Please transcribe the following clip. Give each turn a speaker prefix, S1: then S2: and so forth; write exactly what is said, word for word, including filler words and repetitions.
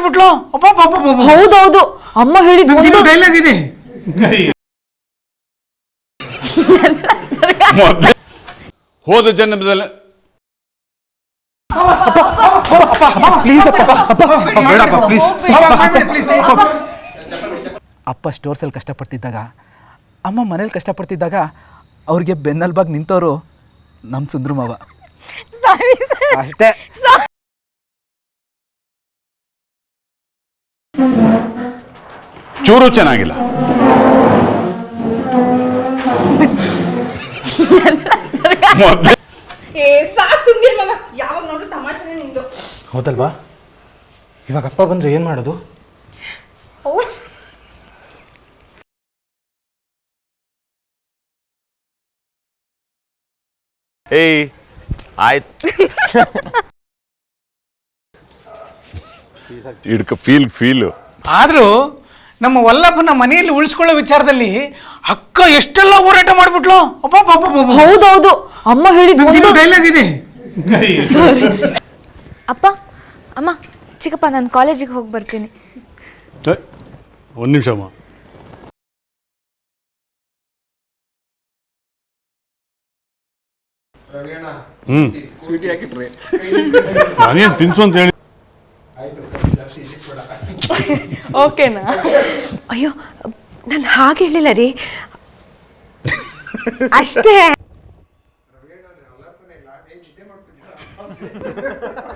S1: ಮಾಡ್ಬಿಟ್ಲು.
S2: ಹೌದೌದು, ಅಮ್ಮ ಹೇಳಿದ್ದು
S1: ಡೈಲಾಗ್ ಇದೆ.
S3: ಹೋದ ಜನ್ಮದಲ್ಲಿ
S4: ಅಪ್ಪ ಸ್ಟೋರ್ಸಲ್ಲಿ ಕಷ್ಟಪಡ್ತಿದ್ದಾಗ, ಅಮ್ಮ ಮನೇಲಿ ಕಷ್ಟಪಡ್ತಿದ್ದಾಗ ಅವ್ರಿಗೆ ಬೆನ್ನಲ್ಬಾಗಿ ನಿಂತವರು ನಮ್ಮ ಸುಂದ್ರ ಮಾವ ಅಷ್ಟೇ.
S3: ಚೂರು ಚೆನ್ನಾಗಿಲ್ಲ.
S5: ಹೌದಲ್ವಾ? ಇವಾಗ ಅಪ್ಪ ಬಂದ್ರೆ ಏನ್ ಮಾಡೋದು?
S3: ಏಯ್ ಆಯ್ತು, ಇಡ್ಕ ಫೀಲ್ ಫೀಲು.
S1: ಆದ್ರೂ ನಮ್ಮ ವಲ್ಲಭನ ಮನೆಯಲ್ಲಿ ಉಳಿಸ್ಕೊಳ್ಳೋ ವಿಚಾರದಲ್ಲಿ ಅಕ್ಕ ಎಷ್ಟೆಲ್ಲ ಹೋರಾಟ ಮಾಡ್ಬಿಟ್ಲು.
S2: ಹೌದೌದು, ಅಮ್ಮ ಹೇಳಿದ್ದು
S1: ಡೈಲಾಗ್ ಇದೆ.
S6: ಅಪ್ಪ ಅಮ್ಮ ಚಿಕ್ಕಪ್ಪ, ನಾನು ಕಾಲೇಜಿಗೆ ಹೋಗಿ ಬರ್ತೀನಿ.
S3: ಒಂದು ನಿಮಿಷ ಅಮ್ಮ. ಹ್ಮ್ ಸ್ವೀಟಿ ಹಾಕಿಟ್ರಿ, ನಾನೇನು ತಿನ್ಸು ಅಂತ ಹೇಳಿ.
S2: ಓಕೆನಾ?
S7: ಅಯ್ಯೋ, ನಾನು ಹಾಗೆ ಹೇಳಿಲ್ಲ ರೀ, ಅಷ್ಟೇ.